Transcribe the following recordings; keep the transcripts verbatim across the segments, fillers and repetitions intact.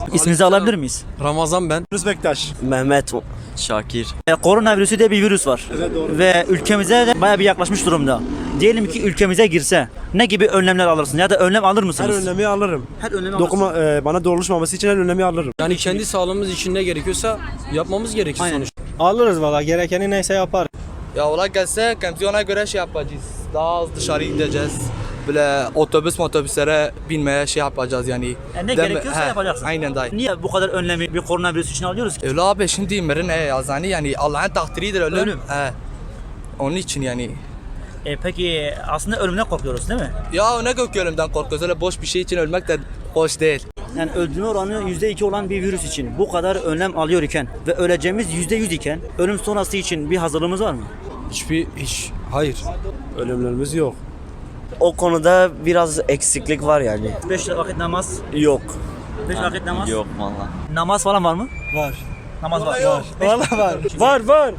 İsminizi alabilir miyiz? Ramazan ben. Yunus Bektaş. Mehmet Şakir. E, koronavirüsü diye bir virüs var. Evet, doğru. Ve ülkemize de bayağı bir yaklaşmış durumda. Diyelim ki ülkemize girse ne gibi önlemler alırsın ya da önlem alır Her mısınız? önlemi alırım. Her önlemi Dokuma e, bana doğruluşmaması için her önlemi alırım. Yani kendi sağlığımız için ne gerekiyorsa yapmamız gerekir Aynen. sonuçta. Alırız valla, gerekeni neyse yapar. Ya ola gelse kamsiyona göre şey yapacağız. Daha az dışarı gideceğiz. Böyle otobüs otobüslere binmeye şey yapacağız yani. Yani ne Dem- gerekiyorsa He, yapacaksın. Aynen dayı. Niye bu kadar önlemi bir koronavirüs için alıyoruz ki? Öyle abi şimdi mirin e yazani yani Allah'ın takdiridir ölüm. Ölüm. He. Onun için yani. E, peki aslında ölümden korkuyoruz değil mi? Ya ne gök ölümden korkuyoruz. Öyle boş bir şey için ölmek de hoş değil. Yani öldürme oranı yüzde iki olan bir virüs için bu kadar önlem alıyor iken ve öleceğimiz yüzde yüz iken ölüm sonrası için bir hazırlığımız var mı? Hiçbir hiç hayır. Ölümlerimiz yok. O konuda biraz eksiklik var yani. Beş vakit namaz, Yok. beş vakit namaz. Yok valla. Namaz falan var mı? Var. Namaz var. Var. Valla var. Var var.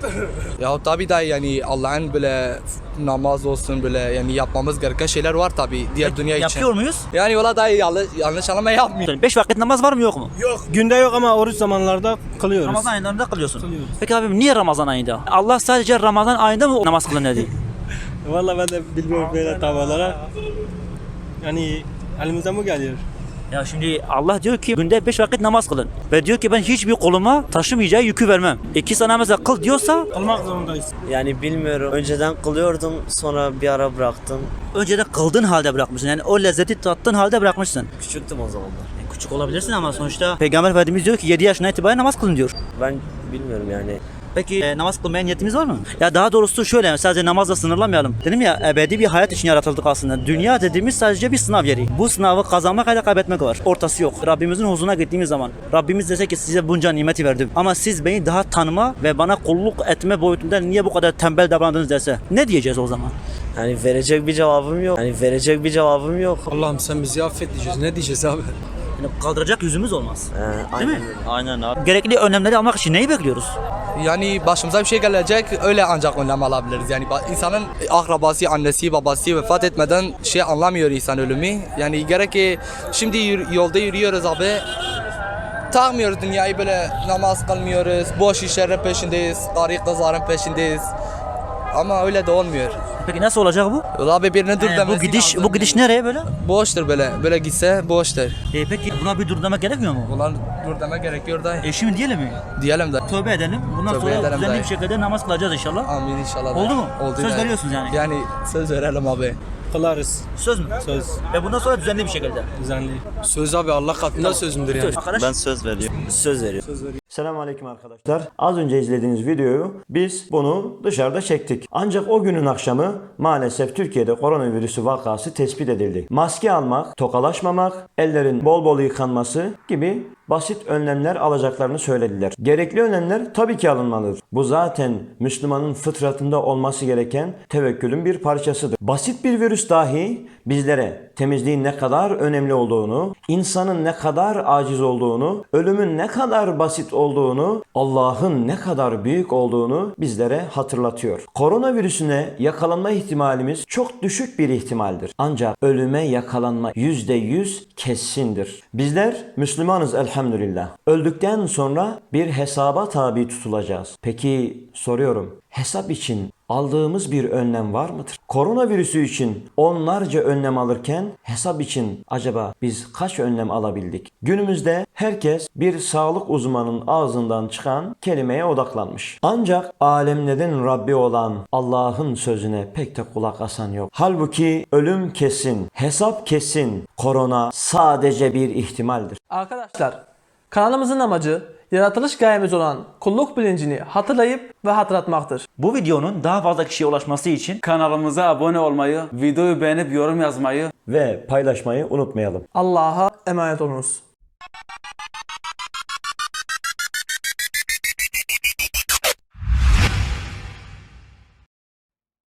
Ya tabii dayı yani Allah'ın böyle namaz olsun böyle yani yapmamız gereken şeyler var tabii diğer dünya için. Yapıyor muyuz? Yani ola dayı yanlış, yanlış anlama yapmıyor. Beş vakit namaz var mı yok mu? Günde yok ama oruç zamanlarda kılıyoruz. Ramazan aylarında kılıyorsun. Kılıyoruz. Peki abim niye Ramazan ayında? Allah sadece Ramazan ayında mı namaz kılın dedi? Valla ben de bilmiyorum böyle tavalara. Yani elimizden bu geliyor. Ya şimdi Allah diyor ki günde beş vakit namaz kılın. Ve diyor ki ben hiçbir koluma taşımayacağı yükü vermem. İki sana mesela kıl diyorsa Kılmak zorundayız. Yani bilmiyorum. Önceden kılıyordum, sonra bir ara bıraktım. önceden kıldığın halde bırakmışsın. Yani o lezzeti tattığın halde bırakmışsın. Küçüktüm o zamanlar. E, küçük olabilirsin ama sonuçta Peygamber Efendimiz diyor ki yedi yaşına itibaren namaz kılın diyor. Ben bilmiyorum yani. Peki e, namaz kılmaya niyetimiz var mı? Ya daha doğrusu şöyle sadece namazla sınırlamayalım. Dedim ya ebedi bir hayat için yaratıldık aslında. Dünya dediğimiz sadece bir sınav yeri. Bu sınavı kazanmak ya da kaybetmek var. Ortası yok. Rabbimizin huzuruna gittiğimiz zaman Rabbimiz dese ki size bunca nimeti verdim. Ama siz beni daha tanıma ve bana kulluk etme boyutunda niye bu kadar tembel davrandınız dese ne diyeceğiz o zaman? Yani verecek bir cevabım yok. Yani verecek bir cevabım yok. Allah'ım sen bizi affet diyeceğiz. Ne diyeceğiz abi? Yani kaldıracak yüzümüz olmaz. Ee, Değil aynen. mi? Aynen abi. Gerekli önlemleri almak için neyi bekliyoruz? Yani başımıza bir şey gelecek öyle ancak önlem alabiliriz. Yani ba- insanın akrabası, annesi, babası vefat etmeden şey anlamıyor insan ölümü. Yani gerek ki şimdi yür- yolda yürüyoruz abi. Takmıyoruz dünyayı böyle namaz kılmıyoruz. Boş işlerin peşindeyiz. Karı kızların peşindeyiz. Ama öyle de olmuyor. Peki nasıl olacak bu? Ulan abi birine dur Yani demesi bu gidiş lazım. bu gidiş nereye böyle? Boştur böyle. Böyle gitse boştur. E peki buna bir dur demek gerekmiyor mu? Ulan dur demek gerekiyor da E şimdi diyelim mi? diyelim de. Tövbe edelim. Bundan Tövbe sonra edelim düzenli dayı. bir şekilde namaz kılacağız inşallah. Amin inşallah. Oldu da. mu? Oldu Söz da. veriyorsunuz yani. Yani söz verelim abi. Kılarız. Söz mü? Söz. Ve bundan sonra düzenli bir şekilde. Düzenli. Söz abi Allah katında sözümdür yani. Arkadaş. Ben söz veriyorum. Söz veriyorum. Selamünaleyküm arkadaşlar. Az önce izlediğiniz videoyu biz bunu dışarıda çektik. Ancak o günün akşamı maalesef Türkiye'de koronavirüsü vakası tespit edildi. Maske almak, tokalaşmamak, ellerin bol bol yıkanması gibi basit önlemler alacaklarını söylediler. Gerekli önlemler tabii ki alınmalıdır. Bu zaten Müslümanın fıtratında olması gereken tevekkülün bir parçasıdır. Basit bir virüs dahi bizlere temizliğin ne kadar önemli olduğunu, insanın ne kadar aciz olduğunu, ölümün ne kadar basit olduğunu, Allah'ın ne kadar büyük olduğunu bizlere hatırlatıyor. Koronavirüsüne yakalanma ihtimalimiz çok düşük bir ihtimaldir. Ancak ölüme yakalanma yüzde yüz kesindir. Bizler Müslümanız elhamdülillah. Öldükten sonra bir hesaba tabi tutulacağız. Peki soruyorum, hesap için aldığımız bir önlem var mıdır? Koronavirüsü için onlarca önlem alırken hesap için acaba biz kaç önlem alabildik? Günümüzde herkes bir sağlık uzmanının ağzından çıkan kelimeye odaklanmış. Ancak alemlerin Rabbi olan Allah'ın sözüne pek de kulak asan yok. Halbuki ölüm kesin, hesap kesin, korona sadece bir ihtimaldir. Arkadaşlar, kanalımızın amacı yaratılış gayemiz olan kulluk bilincini hatırlayıp ve hatırlatmaktır. Bu videonun daha fazla kişiye ulaşması için Kanalımıza abone olmayı, videoyu beğenip yorum yazmayı Ve paylaşmayı unutmayalım. Allah'a emanet olunuz.